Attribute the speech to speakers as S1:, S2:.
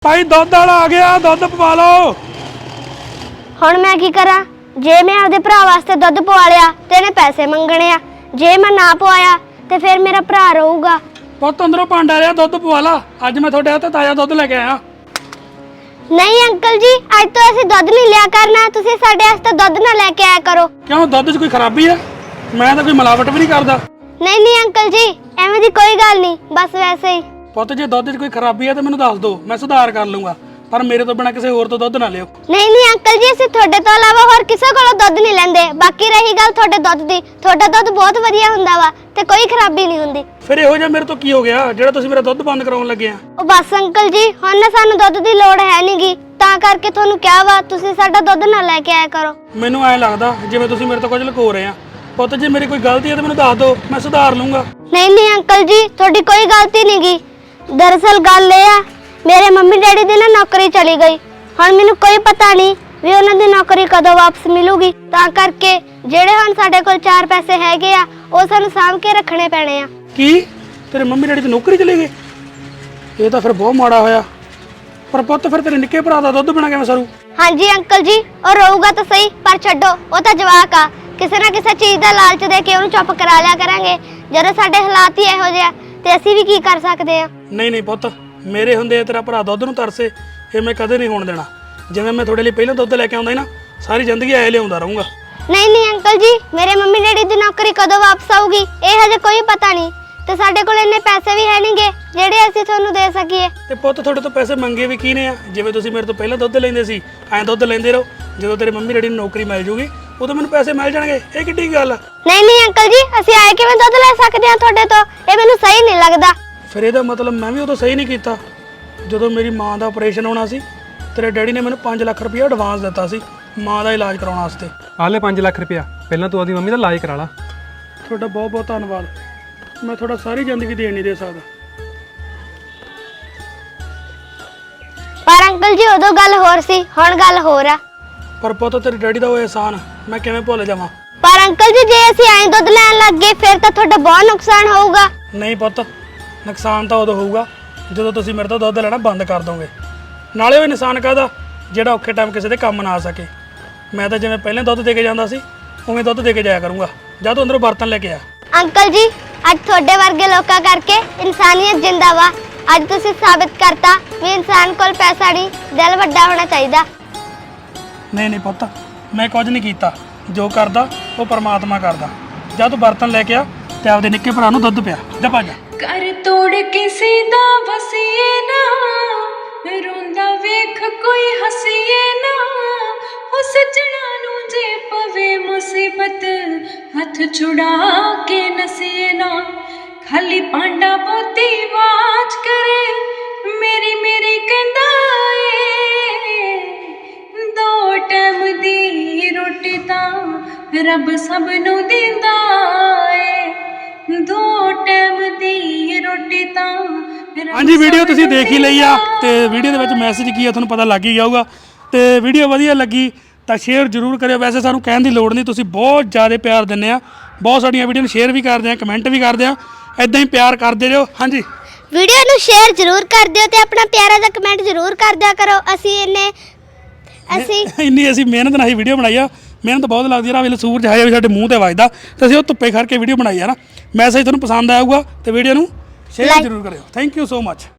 S1: भाई दुध वाला आ गया, दुध पवा लो।
S2: ਹੁਣ मैं की करा? जे मैं आपदे भरा वास्ते दुध पवा लिया ते इहने पैसे मंगणे आ, जे मैं ना पवाया ते फिर मेरा भरा रहूगा।
S1: पुत अंदरों भांडा लिया, दुध पवा ला। अज मैं थोड़े हाथ ताजा दुध लेके आया।
S2: नहीं अंकल जी, अज तो असि दुध नहीं लिया करना, तुसी साडे वास्ते दुध ना लेके आया करो।
S1: क्यों, दुध च कोई खराबी है? मैं तो कोई मिलावट भी नहीं करदा।
S2: नहीं अंकल जी, एवें दी कोई गल नहीं, बस वैसे ही।
S1: पुत जे दुध च कोई खराबी है तो मैनूं दस दो, मैं सुधार कर लूंगा, पर मेरे तो बिना किसी होर तो दुध ना लियो।
S2: नहीं अंकल जी, असि थोड़े तो इलावा होर किसे कोलों दुध नहीं लैंदे। बाकी रही गल थोड़े दुध दी, थोड़ा दुध बहुत वधिया हुंदा वा ते कोई खराबी नहीं हुंदी।
S1: फिर इहो जिहा मेरे तो की हो गया ਜਿਹੜਾ ਤੁਸੀਂ ਮੇਰਾ ਦੁੱਧ ਬੰਦ ਕਰਾਉਣ ਲੱਗੇ ਆ?
S2: ਉਹ ਬਸ ਅੰਕਲ ਜੀ, ਹੁਣ ਨਾ ਸਾਨੂੰ ਦੁੱਧ ਦੀ ਲੋੜ ਹੈ ਨਹੀਂਗੀ, ਤਾਂ ਕਰਕੇ ਤੁਹਾਨੂੰ ਕਿਹਾ ਵਾ ਤੁਸੀਂ ਸਾਡਾ ਦੁੱਧ ਨਾ ਲੈ ਕੇ ਆਇਆ ਕਰੋ।
S1: ਮੈਨੂੰ ਐ ਲੱਗਦਾ ਜਿਵੇਂ ਤੁਸੀਂ ਮੇਰੇ ਤੋਂ ਕੁਝ ਲੁਕੋ ਰਹੇ ਆ। ਪੁੱਤ ਜੇ ਮੇਰੀ ਕੋਈ ਗਲਤੀ ਹੈ ਤਾਂ ਮੈਨੂੰ ਦੱਸ ਦਿਓ, ਮੈਂ ਸੁਧਾਰ ਲੂੰਗਾ।
S2: ਨਹੀਂ ਅੰਕਲ ਜੀ, ਤੁਹਾਡੀ ਕੋਈ ਗਲਤੀ ਨਹੀਂਗੀ। ਦਰਅਸਲ ਗੱਲ ਇਹ ਆ, ਮੇਰੇ ਮੰਮੀ ਡੈਡੀ ਦੀ ਨਾ ਨੌਕਰੀ ਚਲੀ ਗਈ। ਹੁਣ ਮੈਨੂੰ ਕੋਈ ਪਤਾ ਨਹੀਂ ਵੀ ਉਹਨਾਂ ਦੀ ਨੌਕਰੀ ਕਦੋਂ ਵਾਪਸ ਮਿਲੂਗੀ, ਤਾਂ ਕਰਕੇ ਜਿਹੜੇ ਹੁਣ ਸਾਡੇ ਕੋਲ 4 ਪੈਸੇ ਹੈਗੇ ਆ ਉਹ ਸਾਨੂੰ ਸਾਂਭ ਕੇ ਰੱਖਣੇ ਪੈਣੇ ਆ।
S1: ਕੀ ਤੇਰੇ ਮੰਮੀ ਡੈਡੀ ਦੀ ਨੌਕਰੀ ਚਲੀ ਗਈ? ਇਹ ਤਾਂ ਫਿਰ ਬਹੁਤ ਮਾੜਾ ਹੋਇਆ। ਪਰ ਪੁੱਤ ਫਿਰ ਤੇਰੇ ਨਿੱਕੇ ਭਰਾ ਦਾ ਦੁੱਧ ਬਿਨਾ ਕਿਵੇਂ ਸਰੂ?
S2: ਹਾਂਜੀ ਅੰਕਲ ਜੀ, ਉਹ ਰਹੂਗਾ ਤਾਂ ਸਹੀ, ਪਰ ਛੱਡੋ, ਉਹ ਤਾਂ ਜਵਾਕ ਆ। ਕਿਸੇ ਨਾ ਕਿਸੇ ਚੀਜ਼ ਦਾ ਲਾਲਚ ਦੇ ਕੇ ਉਹਨੂੰ ਚੁੱਪ ਕਰਾ ਲਿਆ ਕਰਾਂਗੇ। ਜਦੋਂ ਸਾਡੇ ਹਾਲਾਤ ਹੀ ਇਹੋ ਜਿਹੇ ਆ ਤੇ ਅਸੀਂ ਵੀ ਕੀ ਕਰ ਸਕਦੇ ਆ।
S1: ਨਹੀਂ ਪੁੱਤ, ਮੇਰੇ ਹੁੰਦੇ ਤੇਰਾ ਭਰਾ ਦੁੱਧ ਨੂੰ ਤਰਸੇ, ਇਹ ਮੈਂ ਕਦੇ ਨਹੀਂ ਹੋਣ ਦੇਣਾ। ਜਿਵੇਂ ਮੈਂ ਤੁਹਾਡੇ ਲਈ ਪਹਿਲਾਂ ਦੁੱਧ ਲੈ ਕੇ ਆਉਂਦਾ ਸੀ ਨਾ, ਸਾਰੀ ਜ਼ਿੰਦਗੀ ਐ ਲਿਆਉਂਦਾ ਰਹੂੰਗਾ।
S2: ਨਹੀਂ ਅੰਕਲ ਜੀ, ਮੇਰੇ ਮੰਮੀ ਡੈਡੀ ਦੀ ਨੌਕਰੀ ਕਦੋਂ ਵਾਪਸ ਆਊਗੀ ਇਹ ਹਜੇ ਕੋਈ ਪਤਾ ਨਹੀਂ, ਤੇ ਸਾਡੇ ਕੋਲ ਇੰਨੇ ਪੈਸੇ ਵੀ ਹੈ ਨਹੀਂਗੇ ਜਿਹੜੇ ਅਸੀਂ ਤੁਹਾਨੂੰ ਦੇ ਸਕੀਏ।
S1: ਤੇ ਪੁੱਤ ਤੁਹਾਡੇ ਤੋਂ ਪੈਸੇ ਮੰਗੇ ਵੀ ਕੀ ਨੇ ਆ? ਜਿਵੇਂ ਤੁਸੀਂ ਮੇਰੇ ਤੋਂ ਪਹਿਲਾਂ ਦੁੱਧ ਲੈਂਦੇ ਸੀ, ਐਂ ਦੁੱਧ ਲੈਂਦੇ ਰਹੋ। ਜਦੋਂ ਤੇਰੇ ਮੰਮੀ ਡੈਡੀ ਨੂੰ ਨੌਕਰੀ ਮਿਲ ਜੂਗੀ ਉਦੋਂ ਮੈਨੂੰ ਪੈਸੇ ਮਿਲ ਜਾਣਗੇ। ਇਹ ਕਿੱਡੀ ਗੱਲ ਆ?
S2: ਨਹੀਂ ਅੰਕਲ ਜੀ, ਅਸੀਂ ਆਏ ਕਿਵੇਂ ਦੁੱਧ ਲੈ ਸਕਦੇ ਹਾਂ ਤੁਹਾਡੇ ਤੋਂ? ਇਹ ਮੈਨੂੰ ਸਹੀ ਨਹੀਂ ਲੱਗਦਾ।
S1: ਫਿਰ ਇਹਦਾ ਮਤਲਬ ਮੈਂ ਵੀ ਉਦੋਂ ਸਹੀ ਨਹੀਂ ਕੀਤਾ। ਜਦੋਂ ਮੇਰੀ ਮਾਂ ਦਾ ਆਪਰੇਸ਼ਨ ਹੋਣਾ ਸੀ, ਤੇਰੇ ਡੈਡੀ ਨੇ ਮੈਨੂੰ 5 ਲੱਖ ਰੁਪਇਆ ਐਡਵਾਂਸ ਦਿੱਤਾ ਸੀ ਮਾਂ ਦਾ ਇਲਾਜ ਕਰਾਉਣ ਵਾਸਤੇ।
S3: ਆ ਲੈ 5 ਲੱਖ ਰੁਪਇਆ, ਪਹਿਲਾਂ ਤੂੰ ਆਪਦੀ ਮੰਮੀ ਦਾ ਇਲਾਜ ਕਰਾ ਲਾ।
S1: ਤੁਹਾਡਾ ਬਹੁਤ ਬਹੁਤ ਧੰਨਵਾਦ। ਮੈਂ ਤੁਹਾਡਾ ਸਾਰੀ ਜ਼ਿੰਦਗੀ ਦੇਣ ਨਹੀਂ ਦੇ ਸਕਦਾ।
S2: ਪਰ ਅੰਕਲ ਜੀ, ਉਦੋਂ ਗੱਲ ਹੋਰ ਸੀ, ਹੁਣ ਗੱਲ ਹੋਰ ਆ।
S1: ਪਰ ਪੁੱਤ ਤੇਰੇ ਡੈਡੀ ਦਾ ਉਹ ਅਹਿਸਾਨ ਮੈਂ ਕਿਵੇਂ ਭੁੱਲ ਜਾਵਾਂ?
S2: ਪਰ ਅੰਕਲ ਜੀ, ਜੇ ਅਸੀਂ ਐਂ ਦੁੱਧ ਲੈਣ ਲੱਗ ਗਏ ਫਿਰ ਤਾਂ ਤੁਹਾਡਾ ਬਹੁਤ ਨੁਕਸਾਨ ਹੋਊਗਾ।
S1: ਨਹੀਂ ਪੁੱਤ, ਨੁਕਸਾਨ ਤਾਂ ਉਦੋਂ ਹੋਊਗਾ ਜਦੋਂ ਤੁਸੀਂ ਮੇਰੇ ਤੋਂ ਦੁੱਧ ਲੈਣਾ ਬੰਦ ਕਰ ਦੋਗੇ। ਨਾਲੇ ਉਹ ਇਨਸਾਨ ਕਾਹਦਾ ਜਿਹੜਾ ਔਖੇ ਟਾਈਮ ਕਿਸੇ ਦੇ ਕੰਮ ਨਾ ਆ ਸਕੇ। ਮੈਂ ਤਾਂ ਜਿਵੇਂ ਪਹਿਲਾਂ ਦੁੱਧ ਦੇ ਕੇ ਜਾਂਦਾ ਸੀ ਉਵੇਂ ਦੁੱਧ ਦੇ ਕੇ ਜਾਇਆ ਕਰੂੰਗਾ। ਜਾਂ ਤੂੰ ਅੰਦਰੋਂ ਬਰਤਨ ਲੈ ਕੇ ਆ।
S2: ਅੰਕਲ ਜੀ, ਅੱਜ ਤੁਹਾਡੇ ਵਰਗੇ ਲੋਕਾਂ ਕਰਕੇ ਇਨਸਾਨੀਅਤ ਜਿੰਦਾ ਵਾ। ਅੱਜ ਤੁਸੀਂ ਸਾਬਿਤ ਕਰਤਾ ਵੀ ਇਨਸਾਨ ਕੋਲ ਪੈਸਾ ਨਹੀਂ, ਦਿਲ ਵੱਡਾ ਹੋਣਾ ਚਾਹੀਦਾ।
S1: ਨਹੀਂ ਪੁੱਤ, ਮੈਂ ਕੁਝ ਨਹੀਂ ਕੀਤਾ। ਜੋ ਕਰਦਾ ਉਹ ਪਰਮਾਤਮਾ ਕਰਦਾ। ਜਾਂ ਤੂੰ ਬਰਤਨ ਲੈ ਕੇ ਆ ਤੇ ਆਪਦੇ ਨਿੱਕੇ ਭਰਾ ਨੂੰ ਦੁੱਧ ਪਿਆ। ਜਾ ਭੱਜ।
S4: ਕਰ ਤੋੜ ਕਿਸੇ ਦਾ ਵਸੀਏ ਨਾ, ਰੋਂਦਾ ਵੇਖ ਕੋਈ ਹਸੀਏ ਨਾ। ਹੋ ਸੱਜਣਾ ਨੂੰ ਜੇ ਪਵੇ ਮੁਸੀਬਤ, ਹੱਥ ਛੁਡਾ ਕੇ ਨਸੀਏ ਨਾ। ਖਾਲੀ ਪਾਂਡਾ ਬੋਤੀ ਆਵਾਜ਼ ਕਰੇ, ਮੇਰੀ ਕਹਿੰਦਾ ਏ। 2 ਟਾਈਮ ਦੀ ਰੋਟੀ ਤਾਂ ਰੱਬ ਸਭ ਨੂੰ ਦਿੰਦਾ ਏ। 2 ਟਾਈਮ ਦੀ ਰੋਟੀ ਤਾਂ
S1: ਹਾਂਜੀ, ਵੀਡੀਓ ਤੁਸੀਂ ਦੇਖ ਹੀ ਲਈ ਆ ਤੇ ਵੀਡੀਓ ਦੇ ਵਿੱਚ ਮੈਸੇਜ ਕੀ ਆ ਤੁਹਾਨੂੰ ਪਤਾ ਲੱਗ ਹੀ ਜਾਊਗਾ। ਤੇ ਵੀਡੀਓ ਵਧੀਆ ਲੱਗੀ ਤਾਂ ਸ਼ੇਅਰ ਜ਼ਰੂਰ ਕਰਿਓ। ਵੈਸੇ ਸਾਨੂੰ ਕਹਿਣ ਦੀ ਲੋੜ ਨਹੀਂ, ਤੁਸੀਂ ਬਹੁਤ ਜ਼ਿਆਦਾ ਪਿਆਰ ਦਿੰਦੇ ਆ। ਬਹੁਤ ਸਾਡੀਆਂ ਵੀਡੀਓ ਨੂੰ ਸ਼ੇਅਰ ਵੀ ਕਰਦੇ ਆ, ਕਮੈਂਟ ਵੀ ਕਰਦੇ ਆ। ਇਦਾਂ ਹੀ ਪਿਆਰ ਕਰਦੇ ਰਹੋ। ਹਾਂਜੀ,
S2: ਵੀਡੀਓ ਨੂੰ ਸ਼ੇਅਰ ਜ਼ਰੂਰ ਕਰ ਦਿਓ ਤੇ ਆਪਣਾ ਪਿਆਰਾ ਜਿਹਾ ਕਮੈਂਟ ਜ਼ਰੂਰ ਕਰ ਦਿਆ ਕਰੋ।
S1: ਇੰਨੀ ਅਸੀਂ ਮਿਹਨਤ ਨਾਲ ਹੀ ਵੀਡੀਓ ਬਣਾਈ ਆ। ਮਿਹਨਤ ਬਹੁਤ ਲੱਗਦੀ ਆ। ਵੇਲੇ ਸੂਰਜ ਹਜੇ ਵੀ ਸਾਡੇ ਮੂੰਹ ਤੇ ਵੱਜਦਾ ਤੇ ਅਸੀਂ ਉਹ ਧੁੱਪੇ ਖੜ ਕੇ ਵੀਡੀਓ ਬਣਾਈ ਆ ਨਾ। ਮੈਸੇਜ ਤੁਹਾਨੂੰ ਪਸੰਦ ਆਊਗਾ ਤੇ ਵੀਡੀਓ ਨੂੰ ਸ਼ੇਅਰ ਜ਼ਰੂਰ ਕਰਿਓ। Thank you so much.